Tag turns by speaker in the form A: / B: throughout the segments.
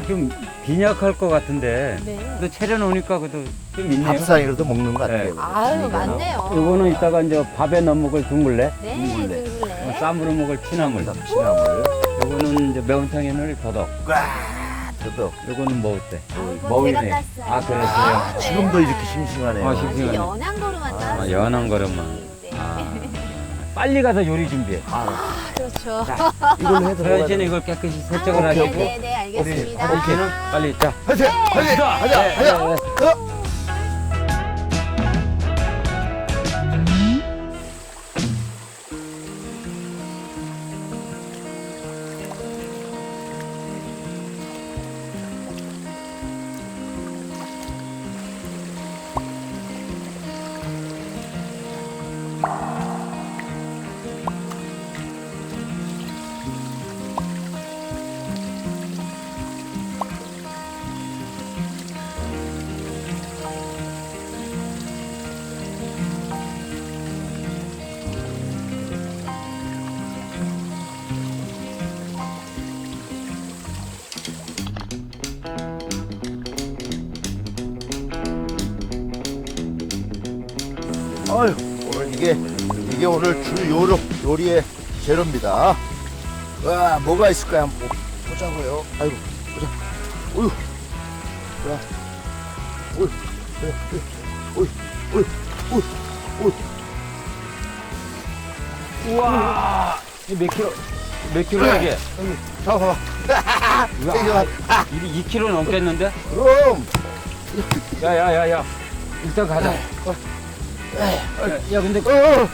A: 좀 빈약할 것 같은데
B: 네.
A: 또 차려놓으니까 그래도 좀 있네요.
C: 밥상이라도 먹는 것
A: 네.
C: 같아요.
B: 아유, 맞네요.
A: 이거는 이따가 이제 밥에 넣어 먹을 둥글레,
B: 네,
C: 둥글레.
B: 둥글레.
A: 쌈으로 먹을 취나물.
C: 취나물.
A: 이거는 이제 매운탕에 넣을 더덕.
C: 저도
A: 이거는 뭐 어때?
B: 아이고,
A: 머위네.
B: 제가 땄어요.
A: 아, 그랬어요?
B: 네.
C: 지금도 이렇게 싱싱하네요.
A: 아, 싱싱.
B: 아주 연한 거로만 땄어요.
A: 연한 거로만.
B: 네.
A: 빨리 가서 요리 준비해.
B: 그렇죠.
C: 이걸로 해도
A: 서현 씨는 이걸 깨끗이 세척을 하시고,
B: 네네, 알겠습니다.
A: 서현 씨는 빨리 자.
C: 하자, 하자, 하자, 하자. 어휴, 오늘 이게 오늘 주 요리의 재료입니다. 와, 뭐가 있을까요? 한번 보자고요. 아이고, 보자. 어휴, 자, 어휴, 어휴, 어휴, 어휴, 어휴.
A: 우와! 이몇 킬로? 몇 킬로야 이게?
C: 여기, 봐봐.
A: 우와, 2킬로 넘겠는데?
C: 그럼.
A: 야야야야, 일단 가자. 야 근데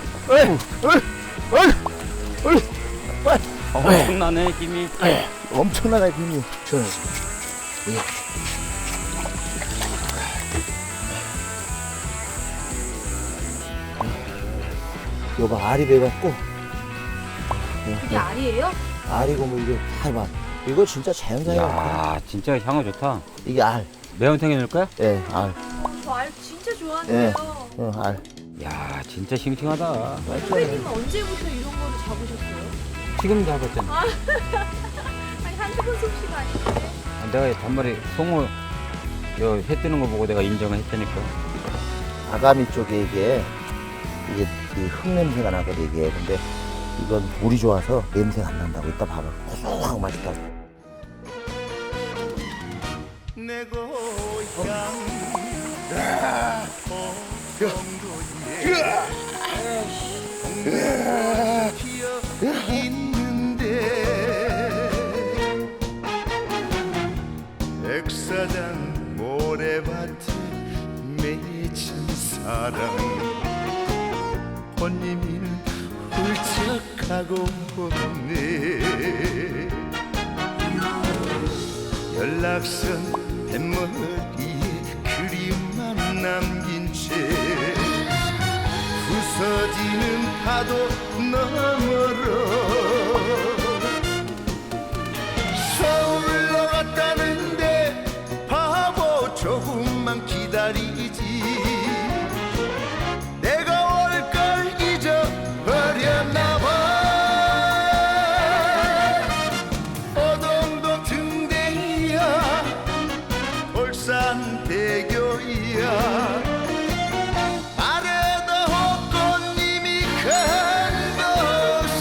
A: 엄청나네 힘이.
C: 엄청나게 힘이. 저는. 이거 봐, 알이 돼갖고.
B: 이게 알이에요?
C: 알이고 뭐 이게 다 봐. 이거 진짜 자연산이야.
A: 야 진짜 향은 좋다.
C: 이게 알.
A: 매운탕에 넣을 거야?
C: 예, 알.
B: 저 알 진짜
C: 예,
B: 좋아하는데요.
C: 알.
A: 야 진짜 싱싱하다.
B: 선배님은 언제부터 이런 거를 잡으셨어요?
A: 지금 잡았잖아.
B: 아니, 한두 번 솜씨가 아닌데.
A: 내가 단말에 송어 회 뜨는 거 보고 내가 인정을 했다니까.
C: 아가미 쪽에 이게 그 흙냄새가 나거든 이게. 근데 이건 물이 좋아서 냄새가 안 난다고. 이따 봐봐. 고소하고 맛있다고.
D: 내 고향 피어 있는데 백사장 모래밭에 맺힌 사랑 혼님이는 훌쩍하고 없네 연락선 뱃머리에 그림만 남긴 채 부서지는 파도 너머로 서울로 갔다는데 바보 조금만 기다리지 내가 올 걸 잊어버렸나 봐 어동도 등대이야 울산대교이야 아래도 꽃님이 큰 곳이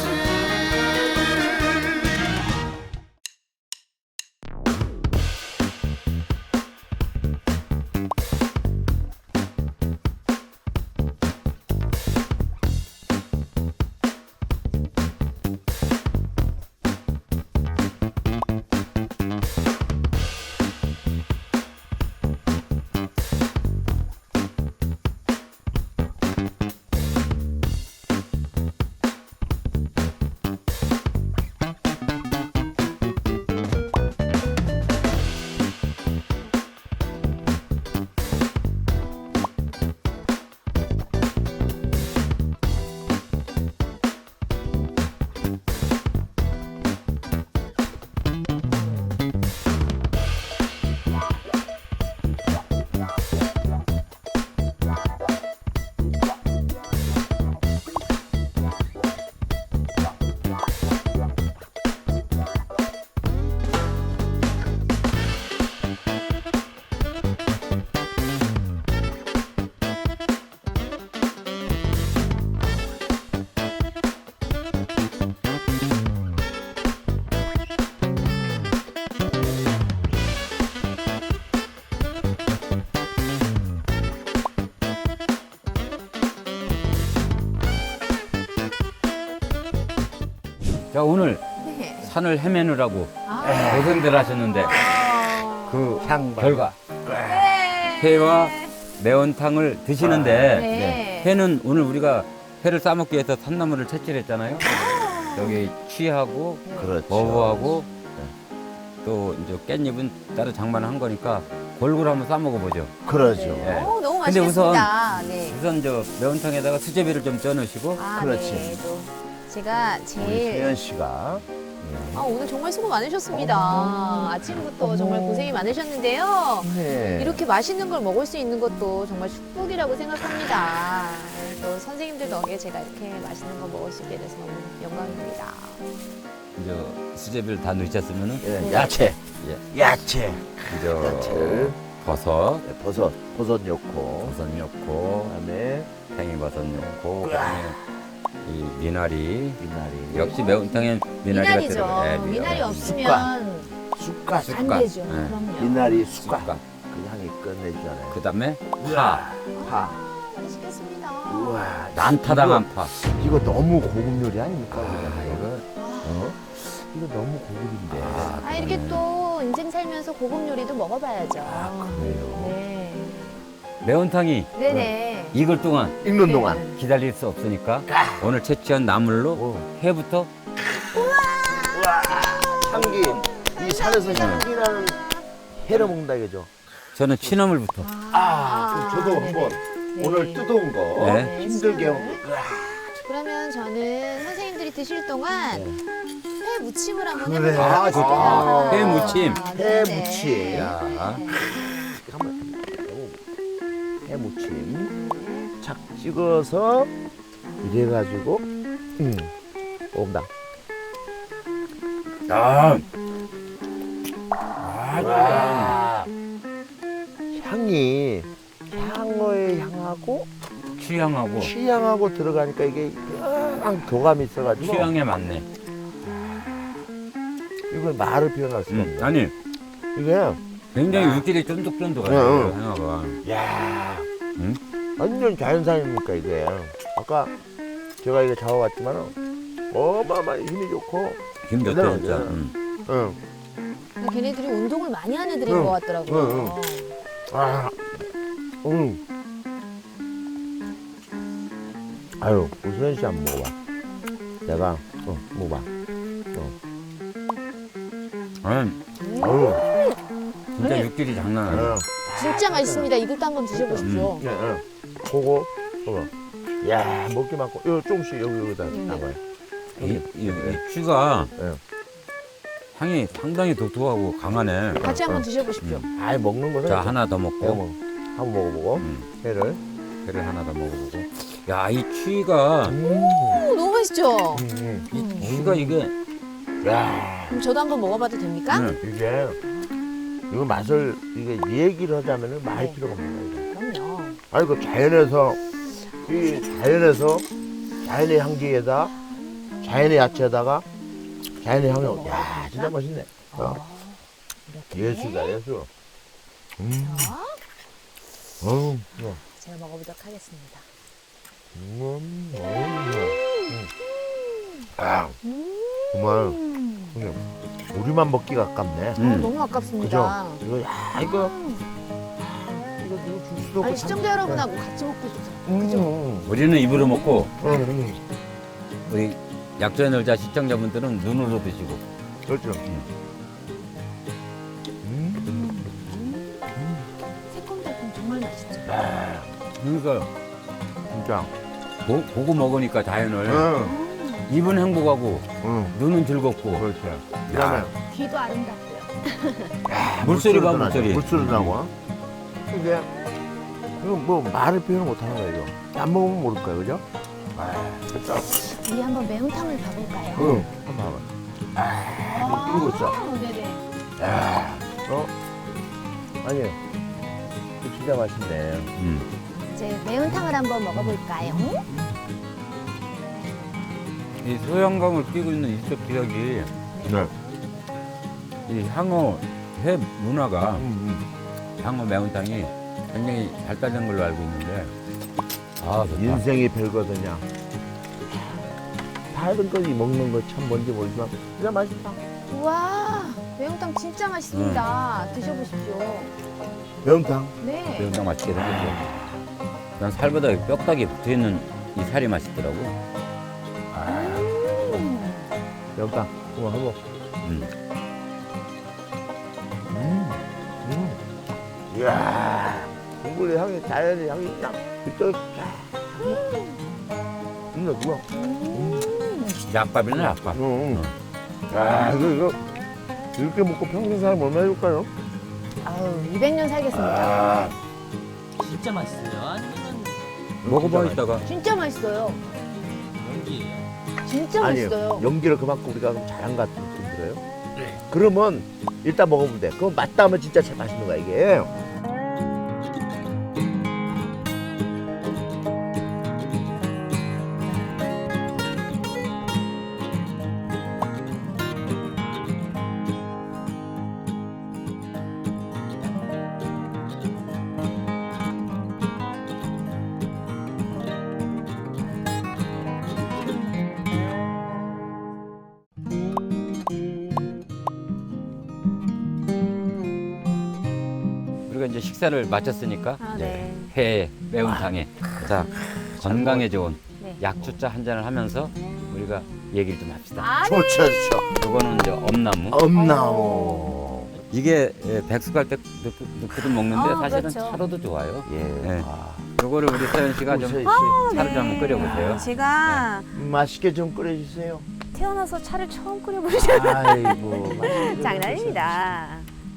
A: 자, 오늘
B: 네.
A: 산을 헤매느라고
B: 아.
A: 고생들 하셨는데
B: 아.
A: 그
C: 향
A: 결과
B: 네.
A: 회와 매운탕을 드시는데
B: 네.
A: 회는 오늘 우리가 회를 싸먹기 위해서 산나물을 채취했잖아요. 여기 취하고
C: 그렇죠.
A: 어부하고 또 이제 깻잎은 따로 장만한 거니까 골고루 한번 싸먹어보죠.
C: 그러죠.
A: 네.
B: 오, 너무
A: 근데
B: 맛있겠습니다. 네.
A: 우선 저 매운탕에다가 수제비를 좀 쪄넣으시고
B: 아,
C: 그렇지.
B: 네. 또 제가
C: 우리
B: 제일
C: 수현 씨가
B: 아, 오늘 정말 수고 많으셨습니다. 아침부터 정말 고생이 많으셨는데요.
C: 네.
B: 이렇게 맛있는 걸 먹을 수 있는 것도 정말 축복이라고 생각합니다. 또 선생님들 덕에 제가 이렇게 맛있는 거 먹을 수 있게 돼서 너무 영광입니다.
A: 이제 수제비를 다 넣으셨으면은
C: 예, 야채, 야채,
A: 이제
C: 야채를
A: 버섯,
C: 네, 버섯 넣고
A: 버섯 넣고
C: 그다음에
A: 팽이버섯 넣고 그다음에 이 미나리.
C: 미나리,
A: 역시 매운탕엔 미나리가
B: 미나리죠.
A: 들어가요. 네,
B: 미나리 없으면
C: 쑥갓,
B: 안
A: 쑥갓.
B: 되죠.
A: 네.
B: 그럼요.
C: 미나리 쑥갓
A: 쑥갓.
C: 그 향이 끝내주잖아요.
A: 그다음에 파,
C: 파.
B: 맛있겠습니다.
C: 우와,
A: 난타당한 파.
C: 이거 너무 고급 요리 아닙니까?
A: 아, 이거
C: 어? 이거 너무 고급인데.
B: 아, 이렇게 또 인생 살면서 고급 요리도 먹어봐야죠.
C: 그래요.
B: 네.
A: 매운탕이
B: 네네.
A: 익을 동안
C: 익는 동안.
A: 기다릴 수 없으니까 오늘 채취한 나물로 회부터
C: 향기. 이 산에서 향기나는 회를 먹는다 이거죠.
A: 저는 취나물부터.
C: 그럼 저도
B: 네네.
C: 한번
B: 네.
C: 오늘 뜯어온 거
A: 네.
C: 힘들게 하고.
B: 그러면 저는 선생님들이 드실 동안 회 무침을 한번
C: 그래.
B: 해보도록
C: 아,
B: 하겠습니다.
C: 좋다.
A: 회 무침.
C: 회
B: 네네.
C: 무침.
A: 야.
C: 한번 해무침 착 찍어서 이래가지고 온다.
A: 아,
C: 와. 향이 향어에 향하고
A: 취향하고
C: 취향하고 들어가니까 이게 묘한 교감이 있어가지고
A: 취향에 맞네.
C: 이걸 말을 표현할 수가 없네.
A: 아니
C: 이게
A: 굉장히 육질이 쫀득쫀득해요.
C: 응.
A: 향어가.
C: 야
A: 응?
C: 완전 자연산이니까 이게 아까 제가 이거 잡아봤지만은 어마어마한 힘이 좋고
A: 힘 좋대
C: 대단하죠.
A: 진짜.
C: 응.
B: 걔네들이 운동을 많이 하는 애들인
C: 응.
B: 것 같더라고요.
C: 아, 아유, 우수현 씨 한번 먹어봐. 내가, 먹어봐. 아유,
A: 진짜 육질이 장난 아니야.
B: 진짜 맛있습니다. 이것도 한번 드셔보십시오.
C: 그거, 야, 먹기 많고, 이거 조금씩 여기다 담아요.
A: 이 취가
C: 예.
A: 향이 상당히 독특하고 강하네.
B: 같이 한번 드셔보십시오.
C: 아이, 먹는 거는.
A: 자, 하나 더
C: 내가
A: 먹고
C: 뭐, 한번 먹어보고, 회를.
A: 회를 하나 더 먹어보고. 야, 이 취가
B: 오, 너무 맛있죠?
A: 이 취가 이게
C: 야,
B: 그럼 저도 한번 먹어봐도 됩니까?
A: 응.
C: 이게, 이거 맛을, 이게 얘기를 하자면은 말
B: 네.
C: 필요가 없는 거야.
B: 그럼요.
C: 아니 그 자연에서 자연의 향기에다 자연의 야채에다가 자연의 향이 야 진짜 맛있네. 예술이다 예술.
B: 제가 먹어보도록 하겠습니다.
C: 아 정말 그냥 우리만 먹기가 아깝네.
B: 너무 아깝습니다.
C: 그죠? 이거 야 이거 누구 줄 수도 없고.
B: 아니, 시청자 여러분하고 같이 먹고 싶어요.
A: 우리는 입으로 먹고
C: 응.
A: 우리 약조의 놀자 시청자분들은 눈으로 드시고.
C: 그렇죠.
B: 새콤달콤 정말 맛있죠?
A: 그러니까
C: 진짜.
A: 보고 먹으니까 자연을
C: 응.
A: 입은 행복하고
C: 응.
A: 눈은 즐겁고
C: 그렇지. 그다음에
B: 귀도 아름답고요.
A: 물소리 봐,
C: 나죠.
A: 물소리.
C: 물소리 나고. 이게 이거 뭐 말을 표현 못 하는 거예요. 이거. 안 먹으면 모를 거예요, 그죠? 그렇죠.
B: 우리 한번 매운탕을 봐볼까요?
C: 응. 한번 봐봐. 이거 있어.
B: 네네.
C: 야, 아니, 이거 진짜 맛있네.
B: 이제 매운탕을 한번 먹어볼까요?
A: 이 소양강을 끼고 있는 이쪽 지역이
C: 네.
A: 이 향어 회 문화가 향어 매운탕이 굉장히 발달된 걸로 알고 있는데 아 좋다.
C: 인생이 별거든요. 작은 거이 먹는 거 참 뭔지 모르지만 그냥 맛있다.
B: 우와, 매운탕 진짜 맛있습니다. 드셔보십시오.
C: 매운탕.
B: 네.
A: 매운탕 맛있게 생겼죠. 난 살보다 뼈다귀 붙어있는 이 살이 맛있더라고.
C: 매운탕. 한번. 이야, 국물의 향이 자연의 향이 딱 그쪽 누가?
A: 약밥이네 약밥.
C: 아, 이거 이렇게 먹고 평생 살면 얼마 해줄까요?
B: 아우, 200년 살겠습니다.
C: 아,
E: 진짜 맛있어요. 아니면
A: 먹어봐 이따가.
B: 진짜 맛있어요.
E: 연기예요.
B: 진짜 맛있어요.
C: 아니에요. 연기를 그만큼 우리가 좀 잘한 것 같은 느낌 들어요. 그러면 일단 먹어보면 돼. 그럼 맞다 하면 진짜 제일 맛있는 거야 이게.
A: 우리가 이제 식사를 마쳤으니까
B: 아, 네.
A: 회, 매운탕에 자 건강에 좋은
B: 네.
A: 약주차 한 잔을 하면서 우리가 얘기를 좀 합시다.
B: 아, 네.
C: 좋죠, 좋죠.
A: 이거는 이제 엄나무.
C: 엄나무.
A: 이게 백숙 할 때 넣고도 먹는데 사실은
B: 그렇죠.
A: 차로도 좋아요.
C: 예.
A: 네.
C: 아,
A: 요거를 우리 서연 씨가 좀
C: 우리
A: 차를 좀 한번 끓여보세요.
F: 제가
C: 맛있게 좀 끓여주세요.
F: 태어나서 차를 처음 끓여보죠.
C: 아이고. 맛있게
F: 장난입니다.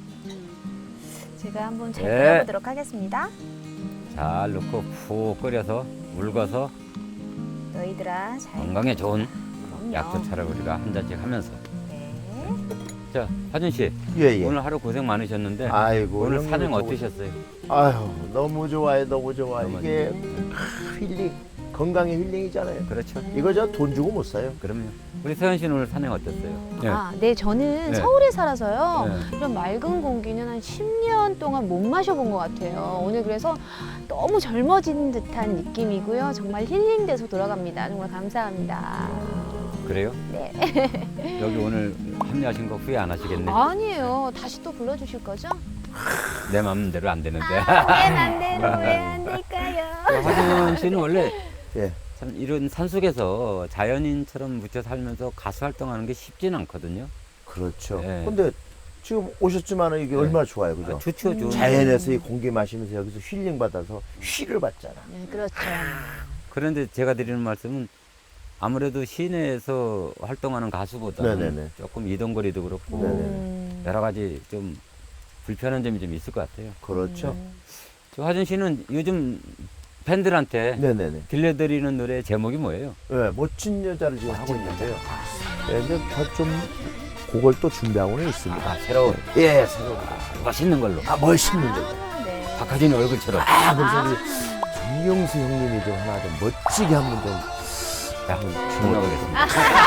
F: 제가 한번 잘
A: 네.
F: 끓여보도록 하겠습니다.
A: 잘 넣고 푹 끓여서 물궈서
F: 너희들아 잘
A: 건강에 좋은
F: 그럼요.
A: 약주차를 우리가 한 잔씩 하면서.
F: 네.
A: 자, 하준 씨.
C: 예, 예.
A: 오늘 하루 고생 많으셨는데
C: 아이고.
A: 오늘
C: 형님
A: 산행
C: 저거-
A: 어떠셨어요?
C: 아유, 너무 좋아요, 너무 좋아.
A: 너무
C: 이게 힐링, 건강의 힐링이잖아요.
A: 그렇죠.
C: 이거 저 돈 주고 못 사요.
A: 그럼요. 우리 서연 씨는 오늘 산행 어땠어요?
B: 아, 네, 저는
A: 네.
B: 서울에 살아서요.
A: 네.
B: 이런 맑은 공기는 한 10년 동안 못 마셔본 것 같아요. 오늘 그래서 너무 젊어진 듯한 느낌이고요. 정말 힐링돼서 돌아갑니다. 정말 감사합니다.
A: 그래요?
B: 네.
A: 여기 오늘 합류하신 거 후회 안 하시겠네.
B: 아니에요. 다시 또 불러주실 거죠?
A: 내 마음대로 안 되는데.
B: 왜안 되는 왜안 될까요?
A: 하준 씨는 원래
C: 예.
A: 참 이런 산속에서 자연인처럼 묻혀 살면서 가수 활동하는 게 쉽지는 않거든요.
C: 그렇죠.
A: 네.
C: 근데 지금 오셨지만 이게 얼마나 좋아요, 그죠?
A: 아, 좋죠, 좋죠.
C: 자연에서 이 공기 마시면서 여기서 힐링 받아서 힐을 받잖아.
B: 네, 그렇죠.
A: 그런데 제가 드리는 말씀은 아무래도 시내에서 활동하는 가수보다는
C: 네네네.
A: 조금 이동거리도 그렇고
C: 네네.
A: 여러 가지 좀 불편한 점이 좀 있을 것 같아요.
C: 그렇죠.
A: 저 하준 씨는 요즘 팬들한테
C: 네네네.
A: 들려드리는 노래 제목이 뭐예요?
C: 네, 멋진 여자를 지금 하고 있는데요. 네, 이제 저좀 곡을 또 준비하고는 있습니다.
A: 아, 새로운
C: 예, 새로운 거.
A: 멋있는 걸로.
C: 아, 멋있는 여자.
B: 아, 네.
A: 박하진 얼굴처럼.
C: 아, 그래서 우리 정명수 형님이 좀 하나 좀 멋지게 한번 좀 한번
A: 주문하겠습니다.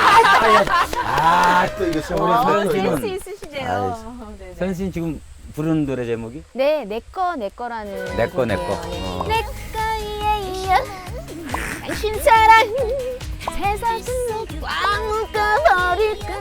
C: 아, 또 이거
A: 우리 서연 씨는
B: 센스 있으시네요. 네,
A: 서연 씨는 지금 부르는 노래 제목이?
B: 네, 내꺼라는
A: 내 거, 내 거.
B: 곡이에요.
A: 어.
B: 내 거예요. 당신 사랑 세상으로 꽉 묶어버릴까.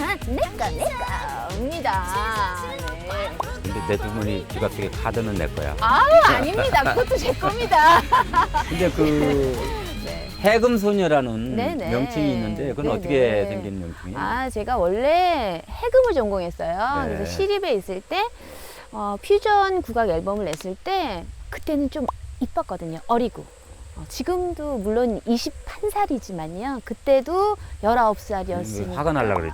B: 내꺼입니다. 네.
A: 근데 내 주머니 지갑 속에 카드는 내 거야.
B: 아우, 아닙니다. 그것도 제 겁니다.
A: 근데 그 해금소녀라는
B: 네네.
A: 명칭이 있는데 그건
B: 네네.
A: 어떻게 생긴 명칭이에요?
B: 아, 제가 원래 해금을 전공했어요.
A: 네.
B: 그래서 시립에 있을 때 퓨전 국악 앨범을 냈을 때 그때는 좀 이뻤거든요. 어리고. 지금도 물론 21살이지만요. 그때도 19살이었으니까.
A: 화가 날라 그랬지?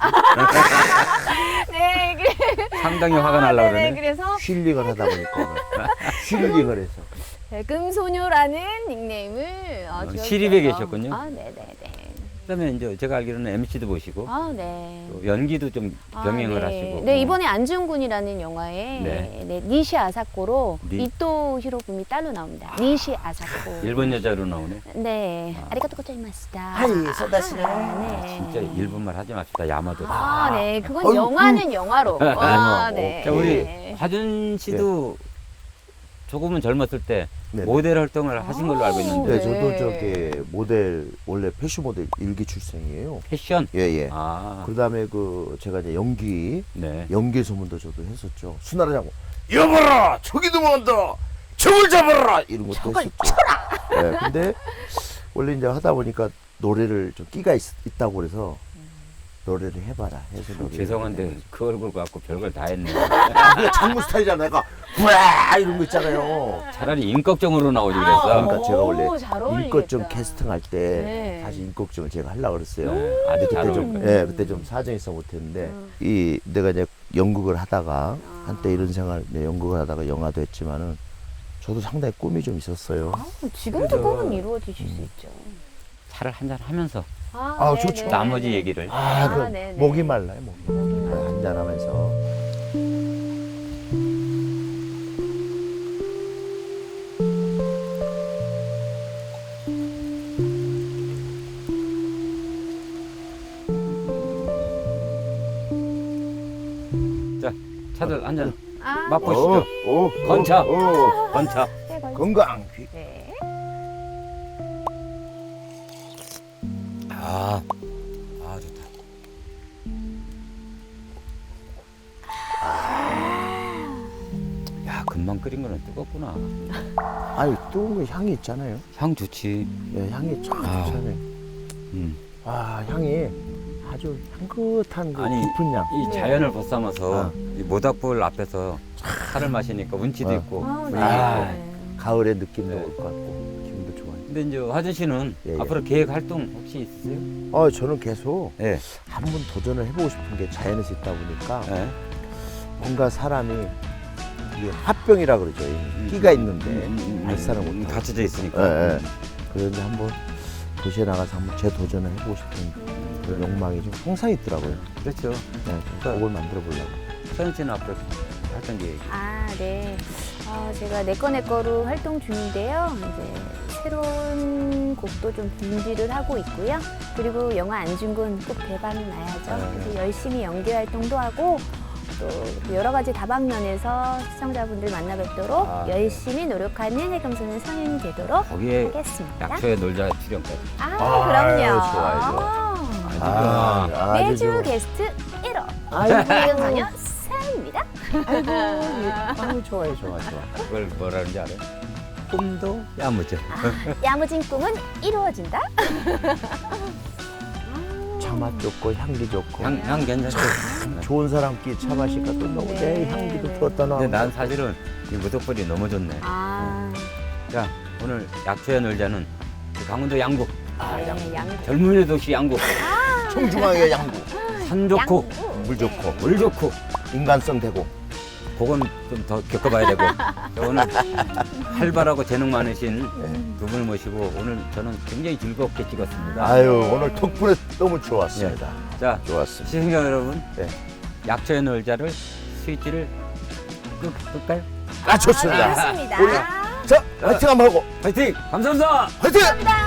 B: 네, 그래.
A: 상당히 화가 날라
B: 네네,
A: 그러네.
B: 그래서
C: 힐링을 하다 보니까 힐링을 해서.
B: 해금소녀라는 닉네임을 지었어요.
A: 시립에 계셨군요?
B: 아, 네네네.
A: 그다음에 이제 제가 알기로는 MC도 보시고
B: 아, 네.
A: 또 연기도 좀 병행을
B: 네.
A: 하시고.
B: 네, 이번에 안중근이라는 영화에
A: 네.
B: 네, 니시 아사코로
A: 니-
B: 이토 히로부미 딸로 나옵니다. 니시 아사코.
A: 일본 여자로 나오네.
B: 네. 아리가토 고자이마스다.
C: 하이, 소다시네.
B: 네.
A: 진짜 일본말 하지 맙시다. 야마도.
B: 아, 네. 그건
C: 어이구.
B: 영화는 영화로. 아, 네.
A: 자, 우리
B: 네.
A: 하준 씨도 조금은 젊었을 때
C: 네네.
A: 모델 활동을 하신 걸로 알고 있는데
C: 네,
B: 네.
C: 저도 저기 모델 원래 패션 모델 일기 출생이에요.
A: 패션.
C: 예예.
A: 아,
C: 그다음에 그 제가 이제
A: 네.
C: 연기 소문도 저도 했었죠. 수나라자고 여봐라 저기도 먼다 저걸 잡아라 이런 것도 했었죠. 예, 근데 원래 이제 하다 보니까 노래를 좀 끼가 있다고 그래서 노래를 해봐라 해서 노래.
A: 죄송한데 그 얼굴 갖고 별걸 다 했네.
C: 그게 장무 스타일이잖아. 내가 부아 이런 거 있잖아요.
A: 차라리 임꺽정으로 나오지 그랬어.
C: 그러니까 제가 원래
B: 잘 어울리겠다.
C: 인권증 캐스팅할 때
B: 네.
C: 사실 인권증을 제가 하려고 그랬어요.
A: 네, 아주 잘
C: 그때 좀,
A: 어울린다.
C: 예, 그때 좀 사정이 있어 못했는데 이 내가 이제 연극을 하다가 한때 이런 생활 이제 연극을 하다가 영화도 했지만은 저도 상당히 꿈이 좀 있었어요.
B: 지금도
A: 그래서-
B: 꿈은 이루어지실 수 있죠.
A: 차를 한잔 하면서
C: 아,
B: 네,
C: 좋죠.
B: 네.
A: 나머지 얘기를.
C: 아, 그
B: 네네.
C: 목이 말라요, 목이. 한잔하면서.
A: 자, 차들 한잔
B: 아,
A: 맛보시죠. 건차. 건차.
B: 네, 네,
C: 건강.
B: 네.
A: 아, 아 좋다. 야, 금방 끓인 거는 뜨겁구나.
C: 아유, 뜨거운 거 향이 있잖아요.
A: 향 좋지.
C: 예, 향이 참
A: 아.
C: 좋잖아요. 와, 향이 아주 향긋한 그
A: 아니,
C: 깊은 향.
A: 이 자연을 벗삼아서
C: 아.
A: 이 모닥불 앞에서 차를 마시니까 운치도
C: 아.
A: 있고.
B: 아, 네.
C: 아. 가을의 느낌도
A: 네.
C: 올 것 같고 기분도 좋아요.
A: 근데 이제 화준 씨는
C: 예, 예.
A: 앞으로 계획 활동 혹시 있으세요?
C: 저는 계속
A: 네.
C: 한번 도전을 해보고 싶은 게 자연에서 있다 보니까
A: 네.
C: 뭔가 사람이 이게 합병이라 그러죠. 이 끼가 있는데 발산을 못하고.
A: 갇혀져 있으니까.
C: 예, 예. 그런데 한번 도시에 나가서 한번 재도전을 해보고 싶은 그런 욕망이 좀 항상 있더라고요.
A: 그렇죠.
C: 네, 그걸 만들어 보려고.
A: 서현 씨는 앞으로 활동 계획이.
B: 아, 네. 제가 내꺼로 활동 중인데요. 이제 새로운 곡도 좀 준비를 하고 있고요. 그리고 영화 안중근 꼭 대박이 나야죠. 그래서 열심히 연기 활동도 하고 또 여러 가지 다방면에서 시청자분들 만나 뵙도록
A: 아.
B: 열심히 노력하는 해금소년 성인이 되도록
A: 거기에
B: 하겠습니다.
A: 약초에 놀자 출연까지.
B: 그럼요.
C: 좋아요, 좋아요.
B: 아,
C: 아주
B: 매주
C: 좋아.
B: 게스트 1호
C: 아이고,
B: 해금소년 사입니다.
C: 아유, 좋아요, 좋아, 좋아.
A: 그걸 뭐라는지 알아요? 꿈도 야무져.
B: 야무진 꿈은 이루어진다.
C: 차맛 좋고 향기 좋고
A: 향 괜찮죠?
C: 좋은 사람끼리 차 마시니까 또 너무 내
B: 네,
C: 향기도
B: 네.
C: 들었다 나.
A: 근데 난 사실은 이 무덕불이 너무 좋네. 자, 오늘 약초에 놀자는 강원도 양구.
B: 네, 양구.
A: 젊은이 도시 양구.
C: 청중앙의 양구,
A: 산 좋고,
C: 물 좋고,
A: 물 좋고.
C: 인간성 되고.
A: 그건 좀 더 겪어봐야 되고. 자, 오늘 활발하고 재능 많으신 두 분을 모시고 오늘 저는 굉장히 즐겁게 찍었습니다.
C: 아유, 오늘 덕분에 너무 좋았습니다.
A: 자,
C: 좋았습니다.
A: 시청자 여러분,
C: 네.
A: 약초에 놀자를 스위치를 끌까요?
C: 아, 좋습니다.
B: 네, 좋습니다.
C: 우리 자, 화이팅 한번 하고.
A: 화이팅! 감사합니다!
C: 화이팅!
B: 감사합니다.